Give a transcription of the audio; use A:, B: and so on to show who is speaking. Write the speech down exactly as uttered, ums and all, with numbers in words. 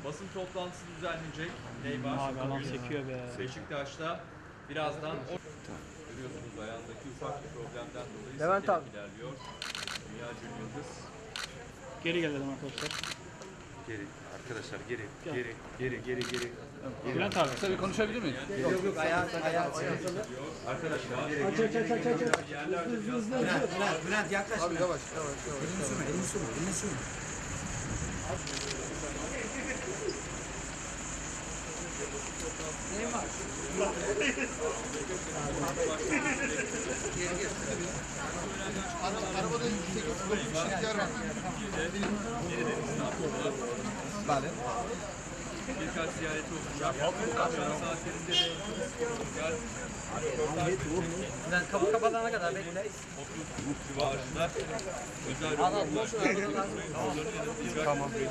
A: basın toplantısı düzenlenecek. Neymar.
B: Abi adam çekiyor be.
A: Beşiktaş'ta birazdan o... Görüyorsunuz ayağındaki ufak bir problemden dolayı
C: Levent abi.
A: ilerliyor. Dünya Yıldız.
B: Geri gelelim arkadaşlar.
D: Geri arkadaşlar geri geri geri geri geri.
B: Bülent abi.
E: Tabii konuşabilir miyim?
C: Yok yok ayağı ayağı.
A: Arkadaşlar geri
C: Aç aç aç aç aç.
A: yerlerde biraz
C: Bülent Bülent Bülent yaklaş. Abi yavaş yavaş yavaş. Elini sürme elini sürme elini sürme. Ne var? Geri gel. Arabada sekiz dokuz kişilik yer var. Vale.
A: birkaç ziyareti olacak. Akşam saatlerinde de
C: Bülent kapı kapatana kadar bekle.
A: civarında özel
C: Al al boş ver.
A: Tamam.